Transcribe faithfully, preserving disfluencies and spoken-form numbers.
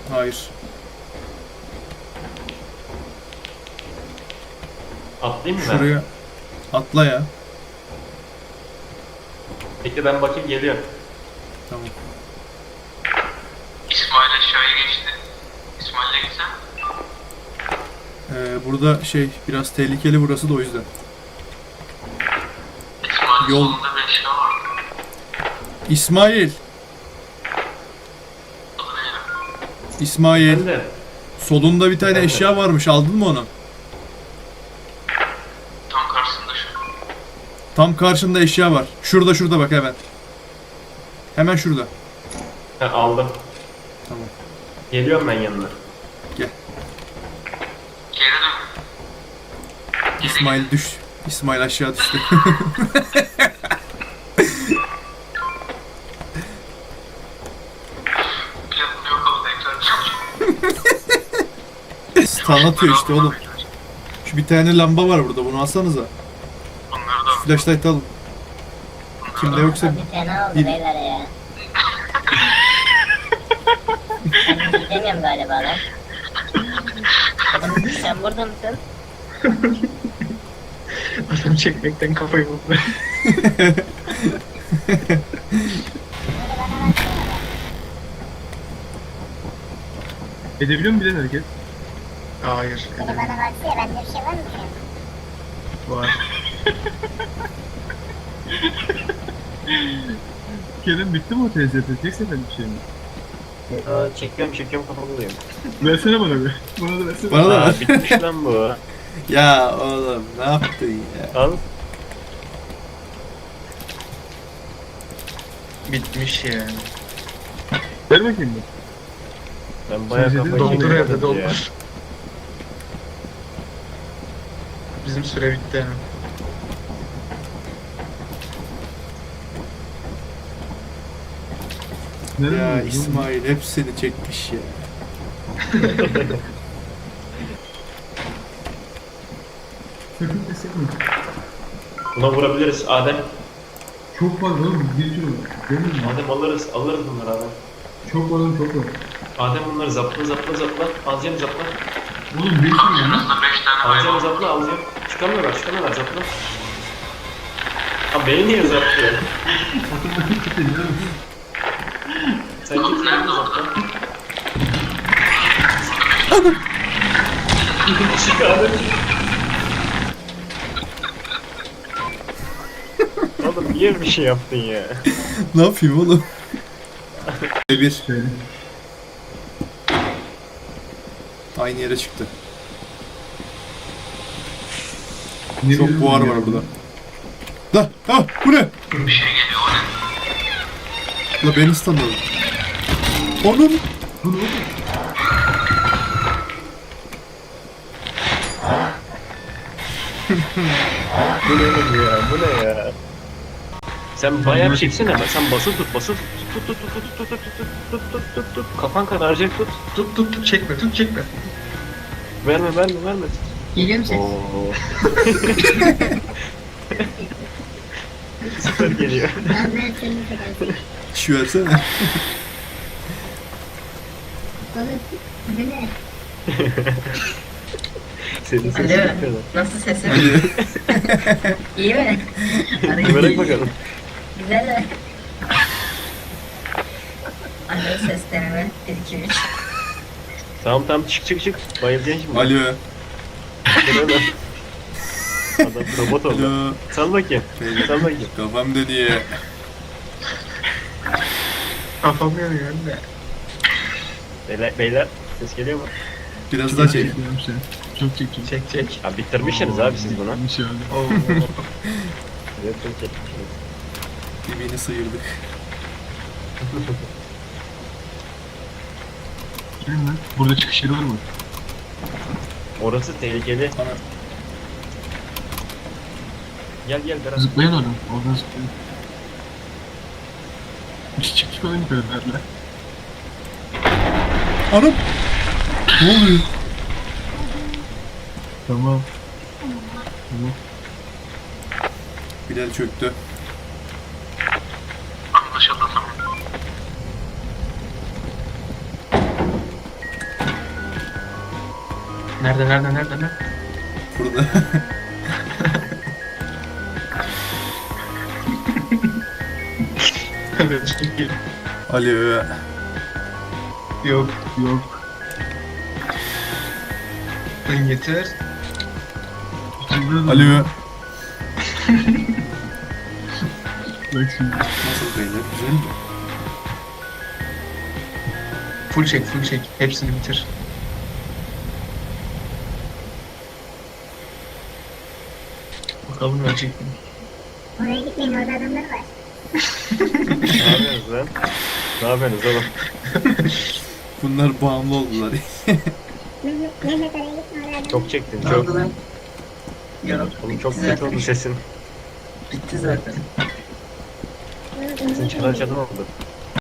Hayır. Atlayayım mı ben? Şuraya atla ya. Peki ben bakayım geliyorum. Tamam. İsmail aşağıya geçti. İsmail'e gitsen. Ee, burada şey biraz tehlikeli burası da o yüzden. İsmail'in Yol- solunda bir eşya vardı. İsmail. Adı neydi? İsmail. Ben de. Solunda bir tane Ben de. eşya varmış. Aldın mı onu? Tam karşısında şu. Tam karşında eşya var. Şurada şurada bak hemen. Hemen şurada. Ha, aldım. Tamam. Geliyorum ben yanına. Gel. Geri dön. Geri İsmail git. düş. İsmail aşağı düştü. Planını yok oldu tekrar çalışıyor. Stun atıyor işte oğlum. Şu bir tane lamba var burada. Bunu alsanıza. Bunları da Flashlight alın. Kimde yoksa Abi fena oldu bir- beyler ya. Ben gidemiyorum galiba lan. Oğlum sen burada mısın? Adam çekmekten kafayı buldu. Edebiliyor mu bilen hareket? Hayır. Beni bana baksana bende bir şey var mı şu an? Var. Kerem bitti mi o T Z T? Tek sefer bir şey mi? Aa, çekiyorum çekiyorum kafamdayım. Versene bana bir. Bana da versene. bana da Aa, ver. bitmiş lan bu. Ya oğlum ne yaptın ya? Al. Bitmiş yani. Ver bakayım bir. Ben bayağı Sen kafayı Doldur yedim evde ya. doldur. Bizim süre bitti yani. Nerede Ya buldun? İsmail hepsini çekmiş ya. Sakın pes etme. Buna vurabiliriz Adem. Çok var oğlum. Bir sürü var. Değil mi? Adem alırız. Alırız bunları Adem. Çok var oğlum çok var. Adem bunları zapla zapla zapla. Alacağım zapla. Oğlum bir sürü var. karşınızda beş tane Alacağım hayvan. zapla alacağım. Çıkamıyorlar çıkamıyorlar zapla. Ha beni niye zaplıyor? Sen git nerede zapla? Çık Adem. Oğlum niye bir şey yaptın ya? Ne yapayım oğlum? Bir. Söyle. Aynı yere çıktı. Ne Çok diyorsun buhar ya? var burada. Da, ha, bu ne? Bir şey geliyor o ne? La beni standladı. Onun. Bu ne oğlum? Bu ne ya? Bu ne ya? Sen bayağı bir çeksene ama sen basılı tut basılı tut tut tut tut tut tut tut tut tut tut tut kafan kararacak tut Tut tut tut çekme tut çekme. verme verme verme. Geliyor musun? Oo. Süper geliyor. Ben ben senin kadar. Şu versene. Oğlum bu ne? Senin sesin Alo. yapıyorlar. Nasıl sesim? Hadi. İyi mi? Bırak bakalım. Güzel mi? Alo ses deneme. bir iki üç. Tamam tamam çık çık çık. Bayılacaksın şimdi. Alo. Gel öyle. Adam robot oldu. Alo. Sal bakayım. Sal bakayım. Kafam dönüyor. Kafam yanıyor anne. Beyler, beyler ses geliyor mu? Biraz daha çek. Çekiyorum sen. Çok çekiyorum. Çek çek. Ha bitirmişsiniz abi siz bunu. Bir şey oldu. Oo. Evet, çok çekmişsiniz. Dibini sıyırdık. Gelin lan. Burada çıkış yeri var mı? Orası tehlikeli. Ana. Gel gel Berat. Zıplayın oradan. Oradan zıplayın. Hiç çık çık oyun yukarılarla. Anam. Ne oluyor? Tamam. Tamam. Bilal çöktü. Anlaşıldı tamam. Nerede nerede nerede nerede? Burada. Evet çok iyi. Alo. Yok. Yok. Lan yeter. Şimdi Alo. Bak şimdi. Nasıl beyler? Güzel mi? Full çek full çek. Hepsini bitir. Bakalım ölecek mi? Oraya gitmeyin, orada adamlar var. Ne yapıyorsunuz lan? Ne yapıyorsunuz oğlum? Bunlar bağımlı oldular. Mehmet, Mehmet oraya gitme, orada adamlar. Çok çektin çok. Ya Oğlum çok kötü oldu sesin. bitti zaten. Bunu Sesin dinleyin. çalar çalar oldu.